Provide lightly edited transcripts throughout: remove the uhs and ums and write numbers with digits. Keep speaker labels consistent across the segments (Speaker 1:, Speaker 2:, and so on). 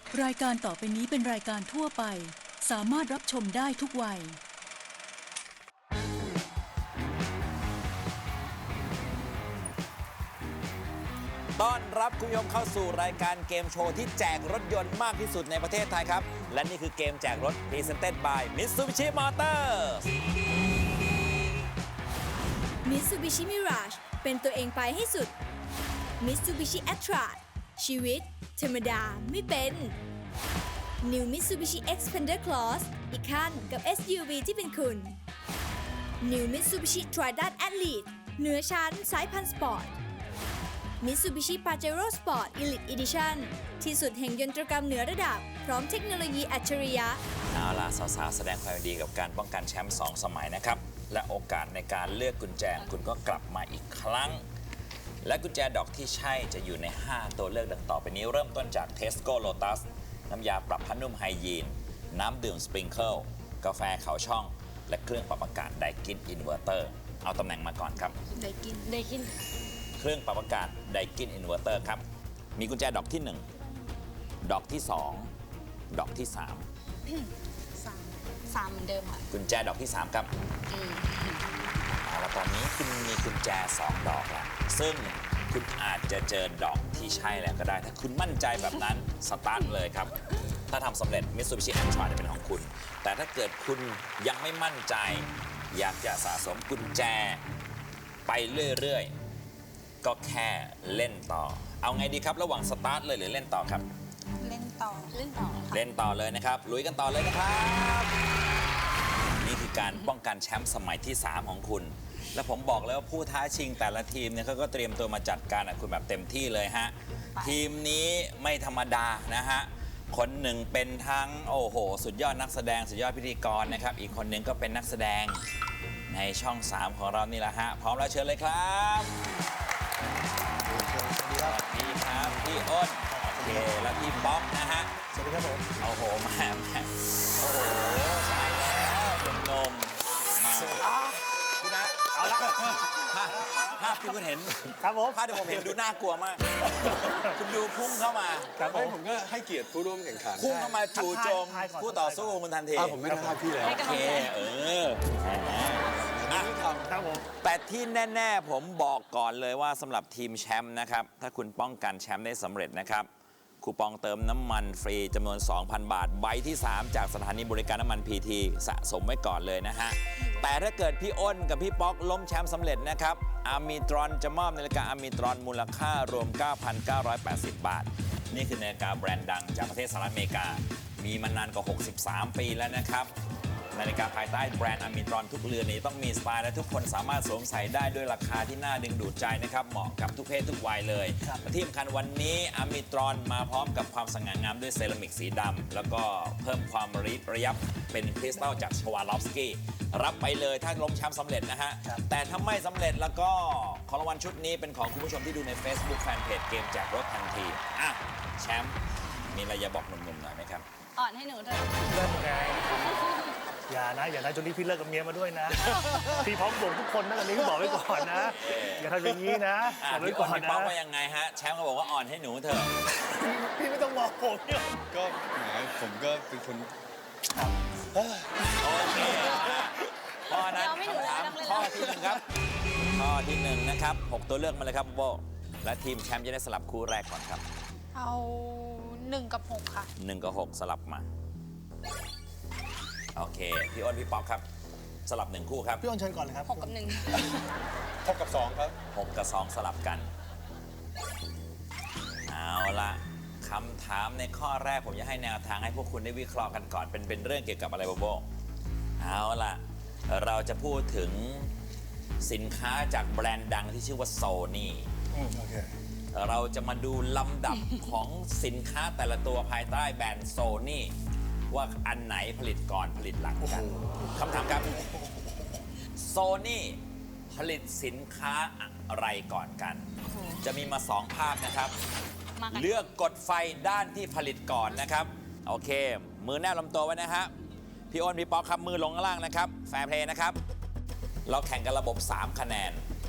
Speaker 1: รายการต่อไปนี้เป็นรายการทั่วไปสามารถรับชมได้ทุกวัย
Speaker 2: ต้อนรับคุณผู้ชมเข้าสู่รายการเกมโชว์ที่แจกรถยนต์มากที่สุดในประเทศไทยครับและนี่คือเกมแจกรถ Presented by Mitsubishi Motors
Speaker 3: Mitsubishi Mirage เป็นตัวเองไปให้สุด Mitsubishi Atra ชีวิตธรรมดาไม่เป็น New Mitsubishi Xpander Cross อีกขั้นกับ SUV ที่เป็นคุณ New Mitsubishi Triton Athlete เหนือชั้นสายพันธุ์สปอร์ต Mitsubishi Pajero Sport Elite Edition ที่สุดแห่งยนตรกรรมเหนือระดับพร้อมเทคโนโลยีอัจฉริยะ
Speaker 2: เอาล่ะสาวๆแสดงความยินดีกับการป้องกันแชมป์2 สมัยนะครับและโอกาสในการเลือกกุญแจคุณก็กลับมาอีกครั้งและกุญแจดอกที่ใช่จะอยู่ใน5ตัวเลือกดังต่อไปนี้เริ่มต้นจาก Tesco Lotus น้ำยาปรับผ้านุ่มไฮยีนน้ำดื่มสปริงเกิลกาแฟเขาช่องและเครื่องปรับอากาศไดกินอินเวอร์เตอร์เอาตำแหน่งมาก่อนครับ
Speaker 3: ไดกิน
Speaker 2: เครื่องปรับอากาศไดกินอินเวอร์เตอร์ครับมีกุญแจดอกที่1ดอกที่2ดอกที่3
Speaker 3: 3เหมือนเดิมค่ะ
Speaker 2: กุญแจดอกที่3ครับแล้วตอนนี้คุณมีกุญแจ2 ดอกแล้วซึ่งคุณอาจจะเจอดอกที่ใช่แล้วก็ได้ถ้าคุณมั่นใจแบบนั้นสตาร์ทเลยครับถ้าทำสำเร็จ Mitsubishi Atra จะเป็นของคุณแต่ถ้าเกิดคุณยังไม่มั่นใจอยากจะสะสมกุญแจไปเรื่อยๆก็แค่เล่นต่อเอาไงดีครับระหว่างสตาร์ทเลยหรือเล่นต่อครับ
Speaker 3: เล่นต่อ
Speaker 2: เล่นต่อเลยนะครับลุยกันต่อเลยนะครับนี่คือการป้องกันแชมป์สมัยที่3ของคุณและผมบอกแล้วว่าผู้ท้าชิงแต่ละทีมเนี่ยเขาก็เตรียมตัวมาจัดการกับคุณแบบเต็มที่เลยฮะทีมนี้ไม่ธรรมดานะฮะคนหนึ่งเป็นทั้งโอ้โหสุดยอดนักแสดงสุดยอดพิธีกรนะครับอีกคนหนึ่งก็เป็นนักแสดงในช่อง3ของเรานี่แหละฮะพร้อมแล้วเชิญเลยครับสวัสดีครับพี่อ้นโอเคแล้วพี่ป๊อกนะฮะ
Speaker 4: สวัสดีครับผม
Speaker 2: โอ้โหมาโอ้โหใช่แล้วเป็นนมมาคุณนะเอาละภาพที่คุณเห็น
Speaker 4: ครับผม
Speaker 2: ภาพที่ผมเห็นดูน่ากลัวมากคุณดูพุ่งเข้ามา
Speaker 4: ครับผมก็ให้เกียรติผู้ร่วมแข่งขัน
Speaker 2: พุ่งเข้ามาจู่โจมผู้ต่อสู้คุณทันที
Speaker 4: ผมไม่ได้ท่าพี่เลย
Speaker 2: โอเค
Speaker 4: ครับผม
Speaker 2: แต่ที่แน่ๆผมบอกก่อนเลยว่าสำหรับทีมแชมป์นะครับถ้าคุณป้องกันแชมป์ได้สำเร็จนะครับคูปองเติมน้ำมันฟรีจำนวน 2,000 บาทใบที่3จากสถานีบริการน้ำมันพีทีสะสมไว้ก่อนเลยนะฮะแต่ถ้าเกิดพี่อ้นกับพี่ป๊อกล้มแชมป์สำเร็จนะครับอาร์มิตรอนจะมอบนาฬิกาอาร์มิตรอนมูลค่ารวม 9,980 บาทนี่คือนาฬิกาแบรนด์ดังจากประเทศสหรัฐอเมริกามีมานานกว่า63 ปีแล้วนะครับนาฬิกาภายใต้แบรนด์อาร์มิตรอนทุกเรือนนี้ต้องมีสไตล์และทุกคนสามารถสวมใส่ได้ด้วยราคาที่น่าดึงดูดใจนะครับเหมาะกับทุกเพศทุกวัยเลยที่สำคัญวันนี้อาร์มิตรอนมาพร้อมกับความสง่างามด้วยเซรามิกสีดำแล้วก็เพิ่มความระยับเป็นคริสตัลจากชวาลอฟสกี้รับไปเลยถ้าล้มแชมป์สำเร็จนะฮะแต่ถ้าไม่สำเร็จแล้วก็ของรางวัลชุดนี้เป็นของคุณผู้ชมที่ดูใน Facebook Fanpage เกมแจกรถทันทีอ่ะแชมป์มีอะไรจะบอกหนุ่มๆหน่อยไหมครับ
Speaker 3: อ่อนให้หนูเถอะ
Speaker 4: เลิกไงอย่านะจนนี้พี่เลิกกับเมียมาด้วยนะพี่พร้อมบ่งทุกคนนะตอนนี้ก็บอกไว้ก่อนนะอย่าทำอย่างนี้นะ
Speaker 2: บอกไว้ก่อนนะพี่ป๊อกว่ายังไงฮะแชมป์ก็บอกว่าอ่อนให้หนูเถอะ
Speaker 4: พี่ไม่ต้องบอกผมเนี่ย
Speaker 5: ก็แหมผมก็เป็นคน
Speaker 2: โอเคข้อนั้นคำถามข้อที่1ครับข้อที่1นะครับ6ตัวเลือกมาเลยครับโบและทีมแชมป์จะได้สลับคู่แรกก่อนครับ
Speaker 3: เอา1 กับ 6ค่ะ
Speaker 2: 1 กับ 6สลับมาโอเคพี่อ้นพี่ป๊อกครับสลับ1คู่ครับ
Speaker 4: พี่อ้นเชิญก่อนเลยครับ
Speaker 3: 6 กับ 1
Speaker 5: 6 กับ 2ครับ
Speaker 2: 6 กับ 2สลับกันเอาละคำถามในข้อแรกผมจะให้แนวทางให้พวกคุณได้วิเคราะห์กันก่อนเป็นเรื่องเกี่ยวกับอะไรโบเอาละเราจะพูดถึงสินค้าจากแบรนด์ดังที่ชื่อว่าโซนี่เราจะมาดูลำดับของสินค้าแต่ละตัวภายใต้แบรนด์โซนี่ว่าอันไหนผลิตก่อนผลิตหลังกันคำถามครับโซนี่ผลิตสินค้าอะไรก่อนกันจะมีมา2ภาพนะครับเลือกกดไฟด้านที่ผลิตก่อนนะครับโอเคมือแนบลำตัวไว้นะครับพี่อ้นพี่ป๊อกครับมือลงข้างล่างนะครับแฟร์เพลย์นะครับเราแข่งกันระบบ3 คะแนน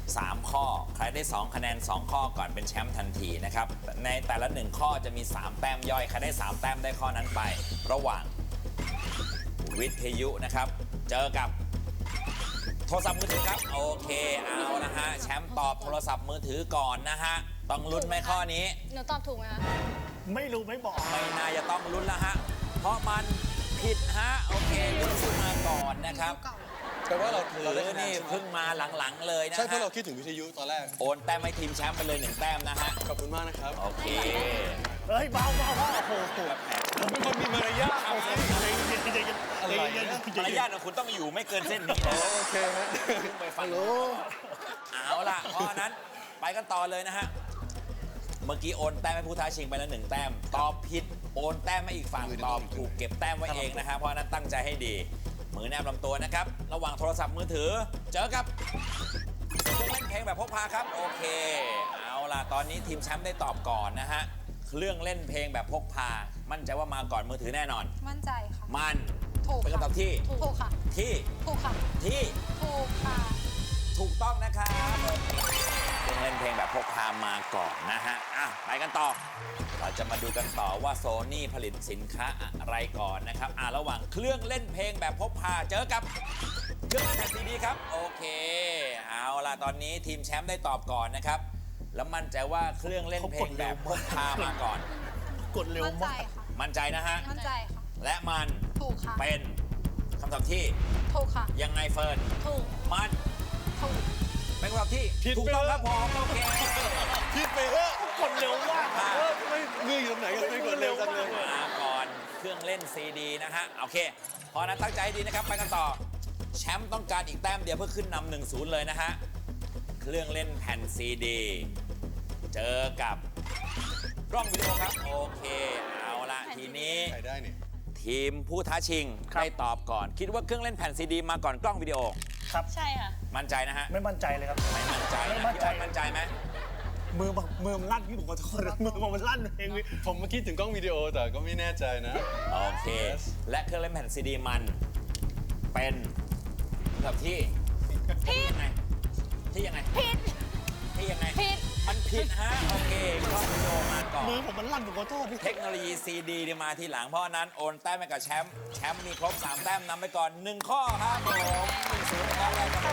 Speaker 2: 3 ข้อ ใครได้ 2 คะแนน 2 ข้อก่อนเป็นแชมป์ทันทีนะครับ ในแต่ละ 1 ข้อจะมี 3 แต้มย่อย ใครได้ 3 แต้มได้ข้อนั้นไป ระหว่างวิทยุนะครับ เจอกับโทรศัพท์มือถือครับ โอเค เอานะฮะ แชมป์ตอบโทรศัพท์มือถือก่อนนะฮะ ต้องลุ้นไหมข้อนี้
Speaker 3: หนูตอบถูกไหมคะ
Speaker 4: ไม่รู้ไม่บอก
Speaker 2: ไม่น่าจะต้องลุ้นแล้วฮะ เพราะมันผิดฮะ โอเคลุ้นขึ้นมาก่อนนะครับ
Speaker 5: แต่ว่าเรา
Speaker 2: ถือ
Speaker 5: ได้คะแน
Speaker 2: นี่
Speaker 5: นใช่ไหม
Speaker 2: เพิ่งมาหลังๆเลยนะ
Speaker 5: ใช่เพราะ
Speaker 2: ฮะ
Speaker 5: เราคิดถึงวิทยุตอนแรก
Speaker 2: โอนแต้มให้ทีมแชมป์ไปเลย 1 แต้มนะฮะ
Speaker 5: ขอบคุณมากนะครับ
Speaker 2: โอเค
Speaker 4: เฮ้ยเบาโอ้โห
Speaker 5: ผมเป็นคนมีมารยาท
Speaker 4: เอา
Speaker 5: ไง
Speaker 4: ใจเย็น
Speaker 2: มารยาทของคุณต้องอยู่ไม่เกินเส้นนี้นะ
Speaker 5: โอเคฮะ
Speaker 2: ไปฟังเอาล่ะเพราะฉะนั้นไปกันต่อเลยนะฮะ เมื่อกี้โอนแต้มให้ผู้ท้าชิงไปแล้ว1 แต้ม ตอบผิดโอนแต้มให้อีกฝั่งตอบถูกเก็บแต้มไว้เองนะฮะ เพราะฉะนั้นตั้งใจให้ดี มือแนบลำตัวนะครับ ระหว่างโทรศัพท์มือถือ เจอกับเครื่องเล่นเพลงแบบพกพาครับ โอเค เอาล่ะ ตอนนี้ทีมแชมป์ได้ตอบก่อนนะฮะ เครื่องเล่นเพลงแบบพกพา มั่นใจว่ามาก่อนมือถือแน่นอน
Speaker 6: มั่นใจค่ะ
Speaker 2: มัน
Speaker 6: ถูก
Speaker 2: เป็น
Speaker 6: ค่ะ
Speaker 2: คำตอบที่
Speaker 6: ถูกค่ะ
Speaker 2: ที่
Speaker 6: ถูกค่ะ
Speaker 2: ที่
Speaker 6: ถูกค่ะ
Speaker 2: ถูกต้องนะครับเครื่องเล่นเพลงแบบพกพามาก่อนนะฮะ อ่ะ ไปกันต่อ เราจะมาดูกันต่อว่าโซนี่ผลิตสินค้าอะไรก่อนนะครับ ระหว่างเครื่องเล่นเพลงแบบพกพาเจอกับเครื่องเล่นแผ่นซีดีครับ โอเค เอาล่ะ ตอนนี้ทีมแชมป์ได้ตอบก่อนนะครับ แล้วมั่นใจว่าเครื่องเล่นเพลงแบบพกพามาก่อน
Speaker 4: กดเร็ว
Speaker 6: มั่นใจ
Speaker 4: มาก
Speaker 6: ค่ะ
Speaker 2: มั่นใจนะฮะ
Speaker 6: มั่นใจค่ะ
Speaker 2: และมัน
Speaker 6: ถูกค่ะ
Speaker 2: เป็นคำตอบที่
Speaker 6: ถูกค่ะ
Speaker 2: ยังไงเฟิร์น
Speaker 6: ถูก
Speaker 2: มัน
Speaker 6: ถูก
Speaker 2: เป็นคำตอบที่ถูกต้องครับผมโอเค
Speaker 5: คิดไปเถอะ
Speaker 4: กดเร็วมาก
Speaker 5: ไม่มืออยู่ตรงไหนกันไม่กดเร็วจังเลย
Speaker 2: มาก่อนเครื่องเล่นซีดีนะฮะ โอเค เพราะฉะนั้นตั้งใจให้ดีนะครับ ไปกันต่อ แชมป์ต้องการอีกแต้มเดียวเพื่อขึ้นนำ 1-0 เลยนะฮะ เครื่องเล่นแผ่นซีดี เจอกับกล้องวิดีโอครับ โอเค เอาละทีนี้
Speaker 5: ใครได้นี่
Speaker 2: ทีมผู้ท้าชิงได้ตอบก่อน คิดว่าเครื่องเล่นแผ่นซีดีมาก่อนกล้องวิดีโอ
Speaker 4: ครับ
Speaker 6: ใช่ค่ะ
Speaker 2: มั่นใจนะฮะ
Speaker 4: ไม่มั่นใจเลยครับ
Speaker 2: ไม่มั่นใจ
Speaker 4: ไม่
Speaker 2: นะ
Speaker 4: มั่น
Speaker 2: พี่
Speaker 4: ใจ
Speaker 2: อ้อยมั่นใจไหม
Speaker 4: มือมันลั่นพี่ผมขอโทษมือมันลั่นเอง
Speaker 5: ผมเมื่อกี้ถึงกล้องวิดีโอแต่ก็ไม่แน่ใจนะ
Speaker 2: โอเค
Speaker 5: Yes
Speaker 2: และเครื่องเล่นแผ่นซีดีมันเป็นแบบที่ยังไงที่ยังไง
Speaker 6: ผิด
Speaker 2: ที่ยังไง
Speaker 6: ผิด
Speaker 2: มันผิดฮะ โอเคกล้องวิดีโอมาก่อน
Speaker 4: มือผมมันลั่นผมขอโทษพี่
Speaker 2: เทคโนโลยีซีดีเนี่ยมาทีหลัง เพราะฉะนั้นโอนแต้มไปกับแชมป์แชมป์มีครบ 3 แต้มนำไปก่อน 1 ข้อครับผม1-0นะครับได้ครับผม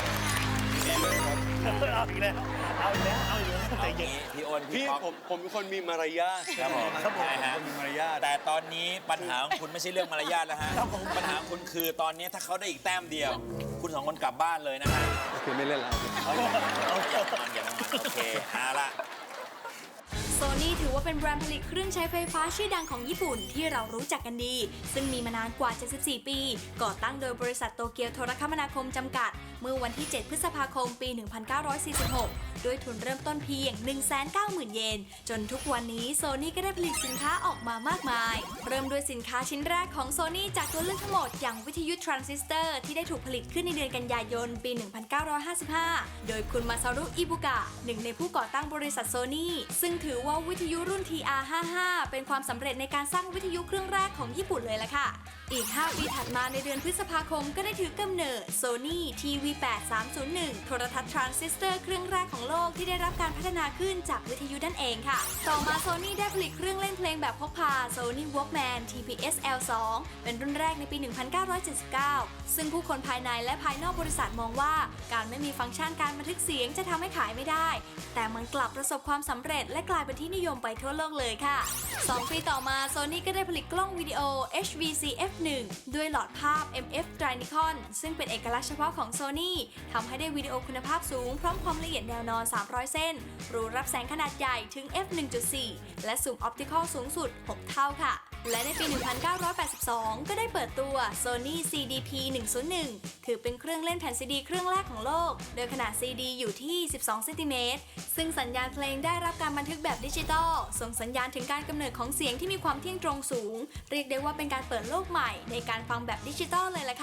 Speaker 4: เอาอีกแล้วเอาอีกแล้วเอาอีกแล้ว
Speaker 2: เอา
Speaker 4: ใจ
Speaker 2: อ
Speaker 4: เย็
Speaker 2: ย่าง
Speaker 4: น
Speaker 2: นี้พี่โอน
Speaker 5: พี่
Speaker 2: พี่ป๊อก
Speaker 5: ผมเป็นคนมีมารยาท
Speaker 2: ครับผม
Speaker 4: ครับผม
Speaker 2: ใช่ฮะ
Speaker 5: คนมีมารยาท
Speaker 2: แต่ตอนนี้ปัญหาของคุณไม่ใช่เรื่องมารยาทแล้วฮะ ปัญหาของคุณคือตอนนี้ถ้าเขาได้อีกแต้มเดียว คุณ2 คนกลับบ้านเลยนะฮะ
Speaker 5: โอเคไม่เล่นแล้ว
Speaker 2: อย่ามันโอเคเอาละ
Speaker 3: โซนี่ถือว่าเป็นแบรนด์ผลิตเครื่องใช้ไฟฟ้าชื่อดังของญี่ปุ่นที่เรารู้จักกันดี ซึ่งมีมานานกว่า 74 ปี ก่อตั้งโดยบริษัทโตเกียวโทรคมนาคมจำกัด เมื่อวันที่ 7 พฤษภาคม ปี 1946 ด้วยทุนเริ่มต้นเพียง 190,000 เยน จนทุกวันนี้โซนี่ก็ได้ผลิตสินค้าออกมามากมาย เริ่มด้วยสินค้าชิ้นแรกของโซนี่จากตัวเลือกทั้งหมดอย่างวิทยุทรานซิสเตอร์ที่ได้ถูกผลิตขึ้นในเดือนกันยายน ปี 1955 โดยคุณมาซารุ อิบุกะ หนึ่งในผู้ก่อตั้งบริษัทโซนี่ซึ่งถือว่าวิทยุรุ่น TR55 เป็นความสำเร็จในการสร้างวิทยุเครื่องแรกของญี่ปุ่นเลยล่ะค่ะ อีก 5 ปีถัดมาในเดือนพฤษภาคมก็ได้ถือกำเนิด Sony TV8301 โทรทัศน์ทรานซิสเตอร์เครื่องแรกของโลกที่ได้รับการพัฒนาขึ้นจากวิทยุนั่นเองค่ะ ต่อมา Sony ได้ผลิตเครื่องเล่นเพลงแบบพกพา Sony Walkman TPS L2 เป็นรุ่นแรกในปี 1979 ซึ่งผู้คนภายในและภายนอกบริษัทมองว่าการไม่มีฟังก์ชันการบันทึกเสียงจะทำให้ขายไม่ได้ แต่มันกลับประสบความสำเร็จและกลายเป็นที่นิยมไปทั่วโลกเลยค่ะ 2 ปีต่อมา Sony ก็ได้ผลิตกล้องวิดีโอ HVC F1 ด้วยหลอดภาพ MF Drynicon ซึ่งเป็นเอกลักษณ์เฉพาะของ Sony ทำให้ได้วิดีโอคุณภาพสูงพร้อมความละเอียดแนวนอน 300 เส้น รูรับแสงขนาดใหญ่ถึง f1.4 และซูมออปติคอลสูงสุด 6 เท่าค่ะ และในปี 1982 ก็ได้เปิดตัว Sony CDP 101 ถือเป็นเครื่องเล่นแผ่นซีดีเครื่องแรกของโลก โดยขนาดซีดีอยู่ที่ 12 เซนติเมตร ซึ่งสัญญาณเพลงได้รับการบันทึกแบบดิจิตอล ส่งสัญญาณถึงการกำเนิดของเสียงที่มีความเที่ยงตรงสูง เรียกได้ว่าเป็นการเปิดโลกใหม่ในการฟังแบบดิจิตอลเลยล่ะค่ะ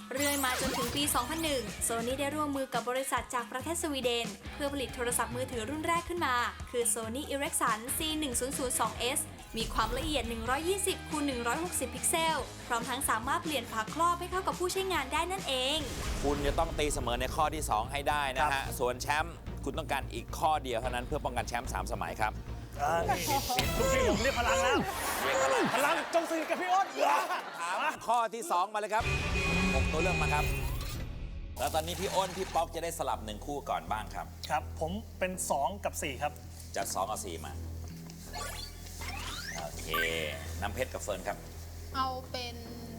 Speaker 3: เรื่อยมาจนถึงปี 2001 โซนี่ได้ร่วมมือกับบริษัทจากประเทศสวีเดน เพื่อผลิตโทรศัพท์มือถือรุ่นแรกขึ้นมา คือ Sony Ericsson C1002S มีความละเอียด 120 คูณ 160 พิกเซล พร้อมทั้งสามารถเปลี่ยนฝาครอบให้เข้ากับผู้ใช้งานได้นั่นเอง
Speaker 2: คุณจะต้องตีเสมอในข้อที่ 2 ให้ได้นะฮะ ส่วนแชมป์คุณต้องการอีกข้อเดียวเท่านั้นเพื่อป้องกันแชมป์3 สมัยครับ
Speaker 4: นี่ทุกทีผมเรียกพลังแล้ว
Speaker 2: เรียกอะไร
Speaker 4: พลังจงสนิทกับพี่อ้น
Speaker 2: ถามข้อที่ 2 มาเลยครับ6ตัวเลือกมาครับ แล้วตอนนี้พี่อ้นพี่ป๊อกจะได้สลับ1คู่ก่อนบ้างครับ
Speaker 4: ครับ ผมเป็น 2 กับ 4 ครับ
Speaker 2: จัด2เอา4มา โอเค น้ำเพชรกับเฟิร์นครับ
Speaker 6: เอาเป็น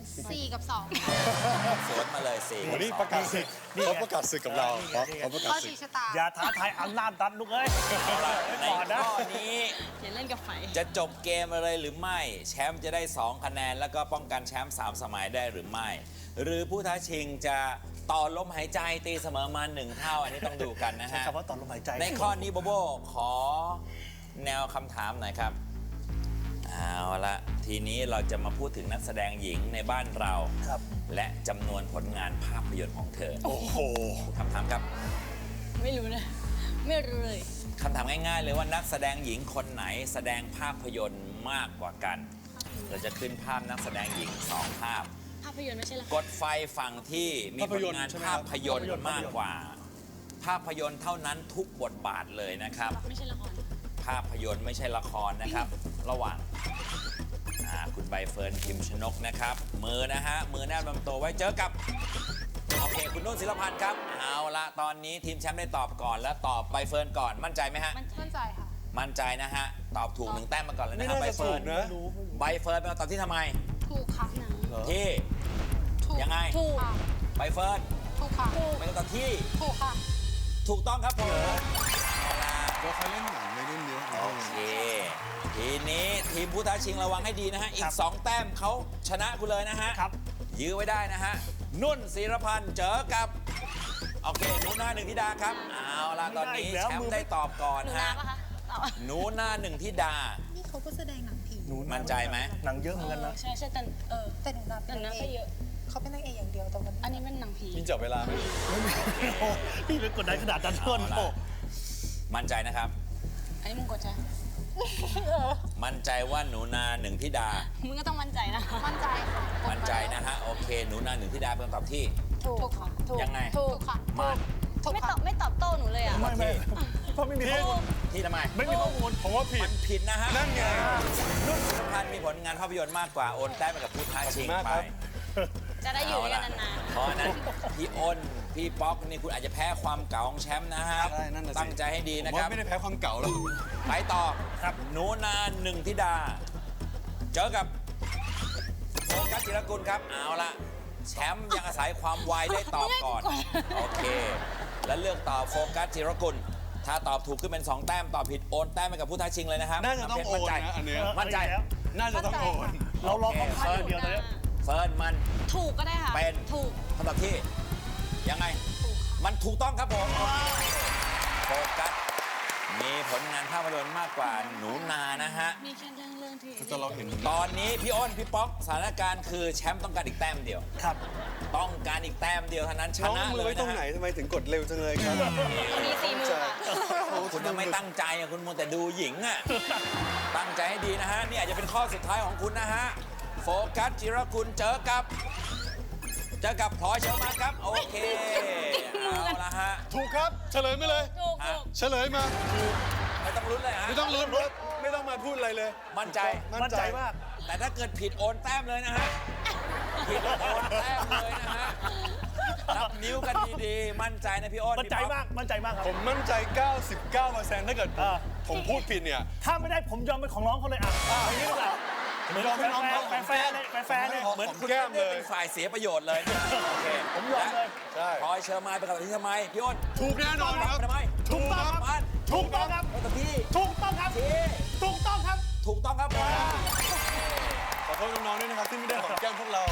Speaker 6: 4กับ2
Speaker 2: สวนมาเลย4
Speaker 5: วันนี้ประกาศศึกเขาประกาศศึกกับเราเขาประกาศ
Speaker 6: ข้อ
Speaker 5: ศึก
Speaker 6: ชี้ชะตา
Speaker 4: อย่าท้าทายอำนาจรัฐลูกเอ้ย
Speaker 2: ใน
Speaker 4: ก่อนนะ
Speaker 2: ข้อนี้
Speaker 7: อย่าเล่นกับไฟ
Speaker 2: จะจบเกมอะไรหรือไม่ แชมป์จะได้ 2 คะแนน แล้วก็ป้องกันแชมป์3 สมัยได้หรือไม่ หรือผู้ท้าชิงจะต่อลมหายใจตีเสมอมา1 เท่า อันนี้ต้องดูกันนะ
Speaker 4: ใช้
Speaker 2: ฮะ
Speaker 4: คำว่าต่อลมหายใจ
Speaker 2: ในข้อนี้โบโบขอแนวคำถามหน่อยครับ เอาละทีนี้เราจะมาพูดถึงนักแสดงหญิงในบ้านเรา
Speaker 4: ครับ
Speaker 2: และจำนวนผลงานภาพยนตร์ของเธอ
Speaker 5: โอ้โห
Speaker 2: คำถามครับ
Speaker 7: ไม่รู้นะ ไม่รู้เลย
Speaker 2: คำถามง่ายๆเลยว่านักแสดงหญิงคนไหนแสดงภาพยนตร์มากกว่ากัน เราจะขึ้นภาพนักแสดงหญิง2 ภาพ
Speaker 7: ภาพยนตร์ไม่ใช่ละค
Speaker 2: ก
Speaker 7: ร
Speaker 2: ดไฟฝั่งที่มีผลงาน
Speaker 5: ภาพยนตร์ใช่ไหมค
Speaker 2: ภา
Speaker 5: รับ
Speaker 2: พยนตร์มากกว่า ภาพยนตร์เท่านั้นทุกบทบาทเลยนะครับ
Speaker 7: ไม่ใช่ละคร
Speaker 2: ภาพยนตร์ไม่ใช่ละครนะครับ ระหว่างคุณใบเฟิร์นพิมพ์ชนกนะครับ มือนะฮะ มือแนบลำตัวไว้เจอกับ โอเค คุณนุ่นศิลพันธ์ครับ เอาละตอนนี้ทีมแชมป์ได้ตอบก่อนแล้วตอบใบเฟิร์นก่อนมั่นใจไหมฮะ
Speaker 6: มั่นใจค่ะ
Speaker 2: มั่นใจนะฮะ ตอบถูก1 แต้มมาก่อนเลย
Speaker 5: ไม่
Speaker 2: นะครับ
Speaker 5: น่า
Speaker 2: ใบ
Speaker 5: จะ
Speaker 2: เฟิ
Speaker 5: ถู
Speaker 2: ร์
Speaker 5: ก
Speaker 2: น
Speaker 5: นะ
Speaker 2: ใบเฟิร์นเป็นคำตอบที่ทำไม
Speaker 6: ถูกค่ะ
Speaker 2: ที่
Speaker 6: ถูก
Speaker 2: ยังไง
Speaker 7: ถูก
Speaker 6: ค่ะ
Speaker 2: ใบเฟิร์น
Speaker 6: ถูกค่ะ
Speaker 2: เป็นคำตอบที่
Speaker 6: ถูกค่ะ
Speaker 2: ถูกต้องครับผมเอาละ
Speaker 5: ก็เขาเล่นหนังไม่เล่นเยอะ
Speaker 2: โอเค ทีนี้ทีมผู้ท้าชิงระวังให้ดีนะฮะ อีก 2 แต้มเขาชนะคุณเลยนะฮะ
Speaker 4: ครับ
Speaker 2: ยื้อไว้ได้นะฮะ นุ่นศิรพันธ์เจอกับ โอเค หนูนาหนึ่งธิดาครับ เอาละตอนนี้
Speaker 4: ไม่ได้อีกแล้ว
Speaker 2: แชมป์ได้ตอบก่อน
Speaker 7: หนูนา
Speaker 2: ฮะ
Speaker 7: ปะคะตอบ
Speaker 2: หนูนาหนึ่งธิดา
Speaker 8: นี่เขาก็แสดงหนังผี
Speaker 2: มั่นใจไหม
Speaker 4: หนังเยอะเหมือนกันนะ
Speaker 7: ใช่ใช่แต่
Speaker 8: แต่หนูนา
Speaker 7: แต่
Speaker 8: เป็น
Speaker 7: นั้
Speaker 8: นาน ง
Speaker 7: ก็
Speaker 8: เอ
Speaker 7: เย
Speaker 8: ก
Speaker 7: อะ
Speaker 8: เขาเป็นนางเอกอย่างเดียวแต่วัน
Speaker 7: อันนี้มันหนังผี
Speaker 5: มีจับเวลาไหม
Speaker 4: พี่เป็นกดดันขนาดนั้นเพื่อนโอ้
Speaker 2: มั่นใจนะครับ
Speaker 7: อันนี้มึงกดใช่
Speaker 2: มั่นใจว่าหนูนาหนึ่งธิดา
Speaker 7: มึงก็ต้องมั่นใจนะ
Speaker 6: มั่นใจค่ะ
Speaker 2: มั่นใจนะฮะ โอเค หนูนาหนึ่งธิดาเป็นคำตอบที่
Speaker 6: ถูกค่ะ
Speaker 2: ยังไง
Speaker 6: ถูกค่ะ
Speaker 2: มา
Speaker 6: ถูก
Speaker 7: ไม่ต
Speaker 6: ค่ะ
Speaker 7: อบไม่ตอบโต้หนูเลยอ่ะ
Speaker 4: ไม่เพราะไม่มีข้อมูล
Speaker 2: ที่ทำไม
Speaker 4: ไม่มีข้อมูล
Speaker 5: ผมว่าผิ
Speaker 2: มั
Speaker 5: ด
Speaker 2: นผิดนะฮะ
Speaker 5: นั่นไง
Speaker 2: นุ่นศิรพันธ์มีผลงานภาพยนตร์มากกว่าโอนแต้มไปกับผู้ท้าชิง
Speaker 5: ขอบคุณมาก
Speaker 2: ไป
Speaker 5: ครับ
Speaker 7: จะได้อยู่ด้วยกันนาน
Speaker 2: เพราะฉะนั้นพี่อ้น พี่ป๊อกนี่คุณอาจจะแพ้ความเก่าของแชมป์นะฮะ
Speaker 5: ใช่นั่นน่ะสิ
Speaker 2: ตั้งใจให้ดี
Speaker 5: ผม
Speaker 2: นะค
Speaker 5: ว่า
Speaker 2: รับ
Speaker 5: ไม่ได้แพ้ความเก่าหรอก
Speaker 2: ไปต่อ
Speaker 4: ครับ
Speaker 2: หนูนาหนึ่งธิดา เจอกับโฟกัสจิรกุลครับ เอาละแชมป์ยังอาศัยความไวได้ตอบก่อน โอเค แล้วเลือกตอบโฟกัสจิรกุล ถ้าตอบถูกขึ้นเป็น 2 แต้ม ตอบผิดโอนแต้มไปกับผู้ท้าชิงเลยนะครับ
Speaker 5: น่าจะต้องโอน
Speaker 2: มั่ใจ
Speaker 5: นะอันเนี้ย
Speaker 2: มั่นใจ
Speaker 4: แล้ว
Speaker 5: น่าจะต้องโอน
Speaker 4: เรารอเขาพลาดอย่างเดียวตอนนี้
Speaker 2: เฟิร์นมัน
Speaker 7: ๆถูกก็ได้ค่ะ
Speaker 2: เป็น
Speaker 7: ถูก
Speaker 2: คำตอบที่ยังไง มันถูกต้องครับผมโฟกัสมีผลงานภาพยนตร์มากกว่าหนูนานะฮะ
Speaker 7: มีแค่เรื่องที่
Speaker 5: แต่เราเห็น
Speaker 2: ตอนนี้พี่อ้น พี่ป๊อกสถานการณ์คือแชมป์ต้องการอีกแต้มเดียว
Speaker 4: ครับ
Speaker 2: ต้องการอีกแต้มเดียวเท่านั้นช
Speaker 5: น้อง
Speaker 2: นะ
Speaker 5: มื
Speaker 2: เล
Speaker 5: อย ไว้ตรง
Speaker 2: นะ
Speaker 5: ไหน
Speaker 2: ฮะ
Speaker 5: ทำไมถึงกดเร็วจังเลยครับ
Speaker 7: มีสี่มือค่ะ
Speaker 2: คุณยังไม่ตั้งใจอ่ะคุณมัวแต่ดูหญิงอ่ะตั้งใจให้ดีนะฮะนี่อาจจะเป็นข้อสุดท้ายของคุณนะฮะโฟกัสจิรกุลเจอกับพลอยเชอร์มานครับโอเคเอาละฮะ
Speaker 5: ถูกครับ เฉลยมาเลย
Speaker 7: ถูก
Speaker 2: ฮะ
Speaker 5: เฉลยมา
Speaker 2: ไม่ต้องลุ้นเลยฮะ
Speaker 5: ไม่ต้องลุ้นครับไม่ต้องมาพูดอะไรเลย
Speaker 2: มั่นใจ
Speaker 4: มั่นใจมาก
Speaker 2: แต่ถ้าเกิดผิดโอนแต้มเลยนะฮะ ผิดโอนแต้มเลยนะฮะ นับนิ้วกันดีๆ มั่นใจนะพี่อ้น
Speaker 4: มั่นใจ
Speaker 2: พี่ป๊อ
Speaker 4: มาก มั่นใจมากครับ
Speaker 5: ผมมั่นใจ 99%ถ้าเกิดผมพูดผิดเนี่ย
Speaker 4: ถ้าไม่ได้ผมยอมเป็นของน้องเขาเลยอ่ะอย่างนี้ก็ได้เหมือน
Speaker 5: ยอมให้น้องเขา
Speaker 4: แฟร์เลยแฟร์เลย
Speaker 2: เหมือนคุณ
Speaker 5: แก้มเลย
Speaker 2: เป็นฝ่ายเสียประโยชน์เลยนะโอเค
Speaker 4: ผมยอมเลย
Speaker 5: ใช่
Speaker 2: พลอยเชอร์มานเป็นคำตอบที่ทำไม พี่อ้น
Speaker 5: ถูกแน่นอนครับ
Speaker 2: ทำไม
Speaker 4: ถูกต้องครับ
Speaker 2: มัน
Speaker 4: ถูกต้องครับ
Speaker 2: คำตอบที่
Speaker 4: ถูกต้องครับ
Speaker 2: ที่
Speaker 4: ถูกต้องครับ
Speaker 2: ถูกต้องครับผม
Speaker 5: ขอโทษน้องๆด้วยนะครับที่ไม่ได้หอมแก้มพวกเรา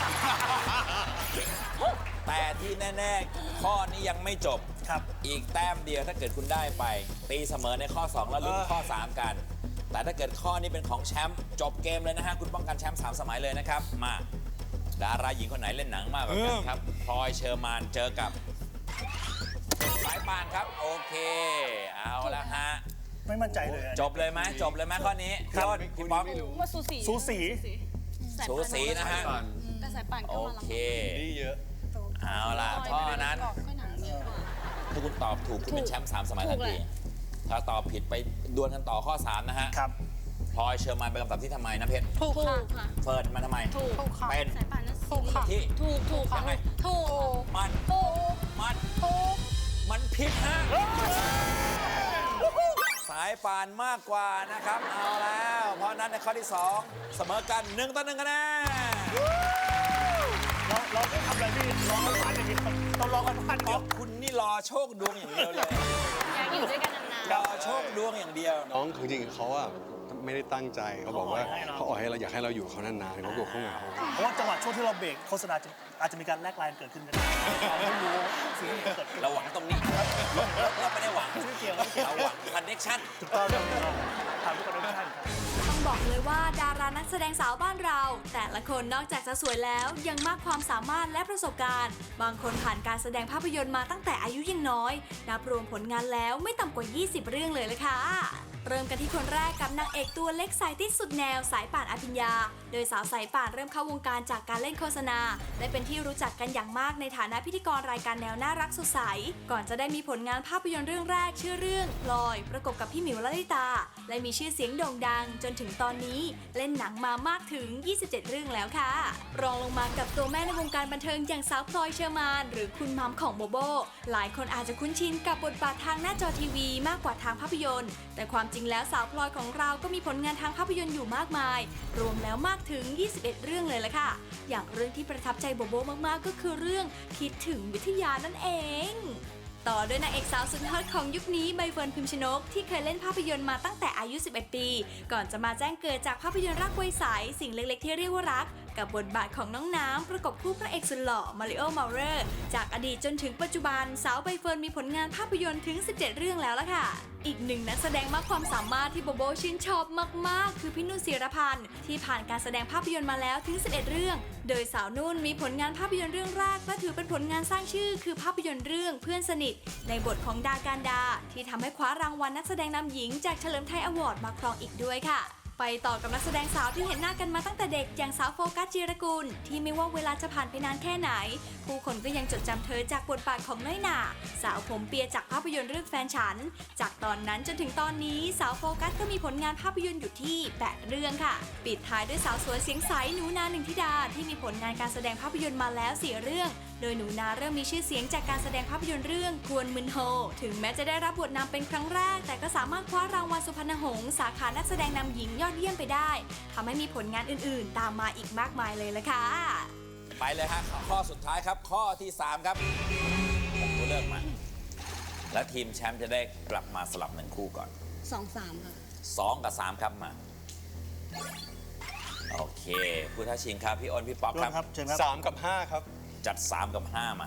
Speaker 2: แต่ที่แน่ๆ ข้อนี้ยังไม่จบ
Speaker 4: ครับ
Speaker 2: อีกแต้มเดียวถ้าเกิดคุณได้ไป ตีเสมอในข้อ 2 แล้วลุ้นข้อ 3 กัน แต่ถ้าเกิดข้อนี้เป็นของแชมป์จบเกมเลยนะฮะ คุณป้องกันแชมป์3 สมัยเลยนะครับ มาดาราหญิงคนไหนเล่นหนังมากกว่ากันครับพลอยเชอร์มานเจอกับสายป่านครับโอเคเอาละฮะ
Speaker 4: ไม่มั่นใจเลย
Speaker 2: จบเลยไหมข้อนี้พี่อ้นพี่ป๊อก
Speaker 7: ว่าสูสี
Speaker 4: สูสี
Speaker 2: สูสีนะฮะ
Speaker 7: แต่สายป่าน
Speaker 2: โอ
Speaker 7: ก็มาหลัง
Speaker 2: เค
Speaker 5: นี่เยอะ
Speaker 2: เอาล่ะข้อนั้น
Speaker 6: ก็หนังเยอะกว่า
Speaker 2: ถ้าคุณตอบถูกคุณเป็นแชมป์3 สมัยทันทีถ้าตอบผิดไปดวลกันต่อข้อ 3 นะฮะ
Speaker 4: ครับ
Speaker 2: พลอยเชอร์มานเป็นคำตอบที่ทำไมนะเพชร
Speaker 6: ถูกค่ะ
Speaker 7: ค่ะ
Speaker 2: เฟิร์นมาทำไม
Speaker 6: ถูกค่ะ
Speaker 2: เป็น
Speaker 7: สายป่านนั่น
Speaker 6: ถูกค่ะ
Speaker 2: ที่
Speaker 7: ถูกค่ะ
Speaker 2: ยังไง
Speaker 7: ถูก
Speaker 2: มัน
Speaker 6: ถูก
Speaker 2: มัน
Speaker 6: ถูก
Speaker 2: มันผิดฮะสายป่านมากกว่านะครับเอาแล้ว เพราะฉะนั้นในข้อที่ 2 เสมอกัน1-1คะแนน
Speaker 4: เราไม่ทำอะไรพี่รอกันบ้านอย่างเดียวเรารอกันบ้านอย่าง
Speaker 2: เพ
Speaker 4: เดียว
Speaker 2: ราะคุณนี่รอโชคดวงอย่างเดียวเลย
Speaker 7: อยากอยู่ด้วยกันนาน
Speaker 2: รอโชคดวงอย่างเดียว
Speaker 5: น้องจริงๆเขาอะไม่ได้ตั้งใจเขาบอกว่าเขาอ่อยให้เราอยากให้เราอยู่เขานานๆเขากลัวเขาเหงา
Speaker 4: เพราะว่าจังหวะช่วงที่เราเบรกโฆษณาอาจจะมีการแลกไลน์เกิดขึ้นก็ได้เราไม่รู้สิ่งที่เกิดขึ้น
Speaker 2: เราหวังตรงนี้เราไม่ได้หวัง
Speaker 4: ไม่เกี่ยวไม่เกี่ยว
Speaker 2: เราหวังคอนเนคชั่น
Speaker 4: ถูกต้องถามทุกคนทุกท่านครับ
Speaker 3: ต้องบอกเลยว่าดารานักแสดงสาวบ้านเรา แต่ละคนนอกจากจะสวยแล้วยังมากความสามารถและประสบการณ์ บางคนผ่านการแสดงภาพยนตร์มาตั้งแต่อายุยังน้อย นับรวมผลงานแล้วไม่ต่ำกว่า 20 เรื่องเลยละค่ะ เริ่มกันที่คนแรกกับนางเอกตัวเล็กสายติดสุดแนวสายป่านอภิญญา โดยสาวสายป่านเริ่มเข้าวงการจากการเล่นโฆษณา และเป็นที่รู้จักกันอย่างมากในฐานะพิธีกรรายการแนวน่ารักสดใส ก่อนจะได้มีผลงานภาพยนตร์เรื่องแรกชื่อเรื่องพลอย ประกบกับพี่หมิวลลิตา และมีชื่อเสียงโด่งดังจนถึงตอนนี้เล่นหนังมามากถึง 27 เรื่องแล้วค่ะ รองลงมากับตัวแม่ในวงการบันเทิงอย่างสาวพลอยเชอร์มานหรือคุณมัมของโบโบ หลายคนอาจจะคุ้นชินกับบทบาททางหน้าจอทีวีมากกว่าทางภาพยนตร์ แต่ความจริงแล้วสาวพลอยของเราก็มีผลงานทางภาพยนตร์อยู่มากมาย รวมแล้วมากถึง 21 เรื่องเลยละค่ะ อย่างเรื่องที่ประทับใจโบโบมากๆก็คือเรื่องคิดถึงวิทยานั่นเอง ต่อด้วยนางเอกสาวสุดฮอตของยุคนี้ใบเฟิร์นพิมชนกที่เคยเล่นภาพยนตร์มาตั้งแต่อายุ 11 ปี ก่อนจะมาแจ้งเกิดจากภาพยนตร์รักไวใสสิ่งเล็กๆที่เรียกว่ารัก กับบทบาทของน้องน้ำประกบคู่พระเอกสุดหล่อมาริโอ เมาเรอร์จากอดีตจนถึงปัจจุบันสาวใบเฟิร์นมีผลงานภาพยนตร์ถึง 17 เรื่องแล้วล่ะค่ะ อีกหนึ่งนักแสดงมากความสามารถที่โบโบชื่นชอบมากๆคือพี่นุ่นศิรพันธ์ที่ผ่านการแสดงภาพยนตร์มาแล้วถึง 11 เรื่อง โดยสาวนุ่นมีผลงานภาพยนตร์เรื่องแรกและถือเป็นผลงานสร้างชื่อคือภาพยนตร์เรื่องเพื่อนสนิทในบทของดาการดาที่ทำให้คว้ารางวัลนักแสดงนำหญิงจากเฉลิมไทยอวอร์ดมาครองอีกด้วยค่ะ ไปต่อกับนักแสดงสาวที่เห็นหน้ากันมาตั้งแต่เด็กอย่างสาวโฟกัสจิรกุลที่ไม่ว่าเวลาจะผ่านไปนานแค่ไหนผู้คนก็ยังจดจำเธอจากบทบาทของน้อยหน่าสาวผมเปียจากภาพยนตร์เรื่องแฟนฉันจากตอนนั้นจนถึงตอนนี้สาวโฟกัสก็มีผลงานภาพยนตร์อยู่ที่8 เรื่องค่ะปิดท้ายด้วยสาวสวยเสียงใสหนูนาหนึ่งธิดาที่มีผลงานการแสดงภาพยนตร์มาแล้ว4 เรื่องโดยหนูนาเริ่มมีชื่อเสียงจากการแสดงภาพยนตร์เรื่องกวนมึนโฮถึงแม้จะได้รับบทนำเป็นครั้งแรกแต่ก็สามารถคว้ารางวัลสุพรรณหงษ์สาขานักแสดงนำหญิงยอดเยี่ยมไปได้ทำให้มีผลงานอื่นๆ ตามมาอีกมากมายเลยละค่ะ
Speaker 2: ไปเลยฮะข้อสุดท้ายครับข้อที่ 3 ครับผมตัวเลือกมา และทีมแชมป์จะได้กลับมาสลับหนึ่งคู่ก่อน
Speaker 7: 2-3 ค่ะ
Speaker 2: 2 กับ 3 ครับมา โอเคผู้ท้าชิงครับ พี่อ้นพี่ป๊อกครับ
Speaker 4: ครับเชิญครับ
Speaker 5: 3 กับ 5 ครับ
Speaker 2: จัด 3 กับ 5 มา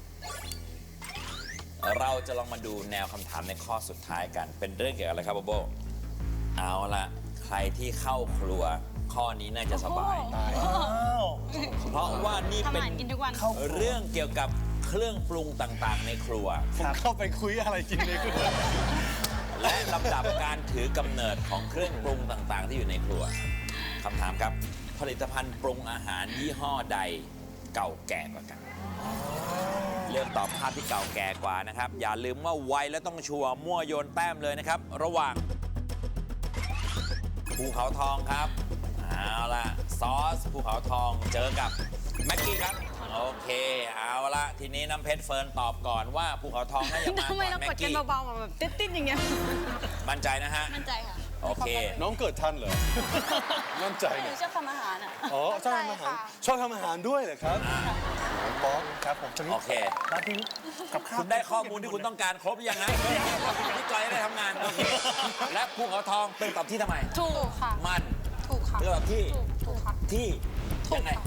Speaker 2: เราจะลองมาดูแนวคำถามในข้อสุดท้ายกัน เป็นเรื่องเกี่ยวกับอะไรครับโบโบ เอาละใครที่เข้าครัวข้อนี้น่าจะสบาย เพราะว่านี่
Speaker 7: ทำ
Speaker 2: เป็
Speaker 7: อาน หารกินทุกวัน
Speaker 2: เรื่องเกี่ยวกับเครื่องปรุงต่างๆ ในครัว
Speaker 5: ผมเข้าไปคุยอะไรกินในครัว
Speaker 2: และลำดับการถือกำเนิดของเครื่องปรุงต่างๆ ที่อยู่ในครัวคำถามครับ ผลิตภัณฑ์ปรุงอาหารยี่ห้อใดเก่าแก่กว่ากัน เลือกตอบภาพที่เก่าแก่กว่านะครับ อย่าลืมว่าไวและต้องชัวร์มั่วโยนแต้มเลยนะครับ ระหว่างภูเขาทองครับเอาล่ะซอสภูเขาทองเจอกับแม็กกี้ครับโอเคเอาละทีนี้น้ำเพชรเฟิร์นตอบก่อนว่าภูเขาทองน่าจะมา
Speaker 7: ทำไม
Speaker 2: ก่อน
Speaker 7: เรา
Speaker 2: แม็
Speaker 7: ก
Speaker 2: ก
Speaker 7: ดกัน
Speaker 2: กี้
Speaker 7: เบาๆแบบติดๆอย่างเงี้ย
Speaker 2: มั่นใจนะฮะ
Speaker 7: มั่นใจค่ะ
Speaker 2: โอเค
Speaker 5: น้องเกิดทันเหรอ มั่นใจ
Speaker 7: ห
Speaker 5: ไง
Speaker 7: นูชอบทำอาหารอ่ะ
Speaker 5: อ๋อชอบทำอาหาร ชอบทำอาหารด้วยเหรอครับป๊อก
Speaker 4: ครับผมจะมี
Speaker 2: โอเค
Speaker 4: ร้านที่กับข้าว
Speaker 2: คุณได้ข้อมูลที่คุณต้องการครบหรือยังนะพี่จอยได้ทำงานโอเคและภูเขาทองเป็นตอบที่ทำไม
Speaker 6: ถูกค่ะ
Speaker 2: มัน
Speaker 6: ถูกค่ะ
Speaker 2: เลือกที่
Speaker 6: ถูกค่ะ
Speaker 2: ที่
Speaker 6: ถูก
Speaker 2: ยังไง
Speaker 6: ค่ะ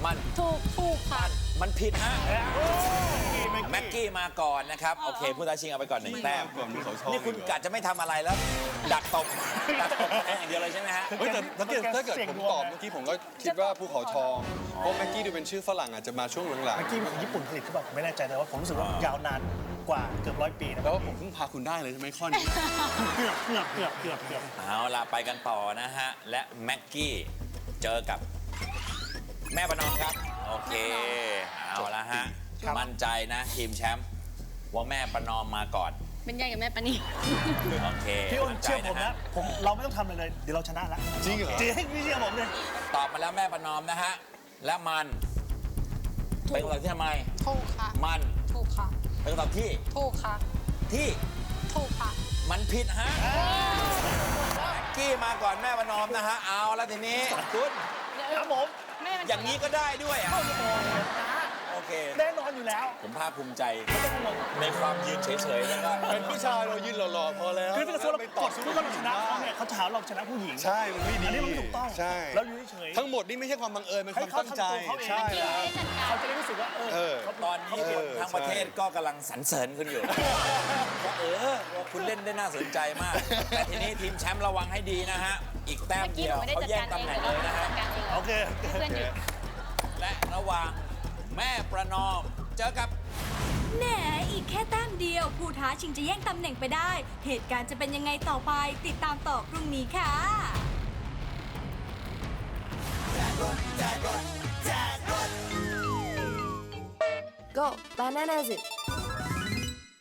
Speaker 2: มัน
Speaker 6: ถูกค่ะ
Speaker 2: มันผิดฮะ
Speaker 4: แม็
Speaker 2: แม็
Speaker 4: ก
Speaker 2: ก
Speaker 4: กี้
Speaker 2: กี้มาก่อนนะครับ โอเค ผู้ท้าชิงเอาไปก่อน 1 แต้ม
Speaker 5: ก่อนมีเขาชอบ
Speaker 2: นี่คุณกะจะไม่ทำอะไรแล้ว ดักตบแค่อย่างเดียวเลยใช่ไหมฮะ
Speaker 5: เฮ้ยแต่ถ้าเกิดผมตอบเมื่อกี้ผมก็คิดว่าภูเขาทองเพราะแม็กกี้ดูเป็นชื่อฝรั่งอาจจะมาช่วงหลัง
Speaker 4: แม็กกี้เป็นของญี่ปุ่นผลิตหรือเปล่าผมไม่แน่ใจแต่ว่าผมรู้สึกว่ายาวนานกว่าเกือบ100 ปีนะ
Speaker 5: ๆแล้วว่าผมเพิ่งพาคุณได้เลยใช่ไหมข้อนี้
Speaker 4: เกือบ
Speaker 2: เอาล่ะไปกันต่อนะฮะ และแม็กกี้เจอกับแม่ประนอมครับ โอเค เอาละฮะ มั่นใจนะทีมแชมป์ว่าแม่ประนอมมาก่อน
Speaker 7: เป็นยายกับแม่ปานี
Speaker 2: โอเค
Speaker 4: พี่อ้น
Speaker 2: มั่นใจ
Speaker 4: เชื่อผมนะเราไม่ต้องทำอะไรเลยเดี๋ยวเราชนะแล้ว
Speaker 5: จริงเหรอ
Speaker 4: จริงพี่เชื่อผมเลย
Speaker 2: ตอบมาแล้วแม่ประนอมนะฮะ และมันเป็นคำตอบที่ทำไม
Speaker 6: ถูกค่ะ
Speaker 2: มัน
Speaker 6: ถูกค่ะ
Speaker 2: เป็นคำตอบที่
Speaker 6: ถูกค่ะ
Speaker 2: ที่
Speaker 6: ถูกค่ะ
Speaker 2: มันผิดฮะแม็กกี้มาก่อนแม่ประนอมนะฮะ เอาแล้วทีนี้คุณ
Speaker 4: ครับผม
Speaker 7: แม่มัน
Speaker 2: อย่างนี้ก็ได้ด้วยอ่ะโอเค
Speaker 4: แน่นอนอยู่แล้ว
Speaker 2: ผมภาคภูมิใจในความยืนเฉยๆแล้วก็
Speaker 5: เป็นผู้ชายเรายืนหล่อๆพอแล้ว
Speaker 4: คือถ้าเกิดเรา
Speaker 5: ไป
Speaker 4: ก
Speaker 5: ต่อ
Speaker 4: ด
Speaker 5: สู้
Speaker 4: ทุกคนเราชนะเขาเนี่ยเขาจะหาเราชนะผู้หญิง
Speaker 5: ใช่ มันไม่ดี
Speaker 4: อันนี้มันไม่ถูกต้อง
Speaker 5: ใช่
Speaker 4: เราอยู่เฉยๆ
Speaker 5: ทั้งหมดนี่ไม่ใช่ความบังเอิญเป็นความตั้งใจ
Speaker 4: ให้เขาทำตัวเขาเอง
Speaker 5: ใช่แล้ว
Speaker 4: เขาจะได้รู้สึกว่าเขา
Speaker 2: ตอนนี้คนทั้งประเทศก็กำลังสรรเสริญคุณอยู่ว่าว่าคุณเล่นได้น่าสนใจมาก แต่ทีนี้ทีมแชมป์ระวังให้ดีนะฮะ อีกแต้ม
Speaker 7: เมื่อกี้
Speaker 2: เดี
Speaker 7: ห
Speaker 2: ยว
Speaker 7: นูไม่ได้
Speaker 2: เขา
Speaker 7: จัด
Speaker 2: แย่ง
Speaker 7: การ
Speaker 2: ตำ
Speaker 7: เอง
Speaker 2: แหน่ง
Speaker 7: แต่
Speaker 2: เลย
Speaker 7: ว่า
Speaker 2: นะฮะ
Speaker 7: จัดการเอง
Speaker 4: โอเค
Speaker 7: ให้เพื่อนหยุด
Speaker 2: และระหว่างแม่ประนอมเจอกับ
Speaker 3: แหนอีกแค่แต้มเดียว ผู้ท้าชิงจะแย่งตำแหน่งไปได้ เหตุการณ์จะเป็นยังไงต่อไป ติดตามต่อพรุ่งนี้ค่ะ
Speaker 9: Go, bananas it.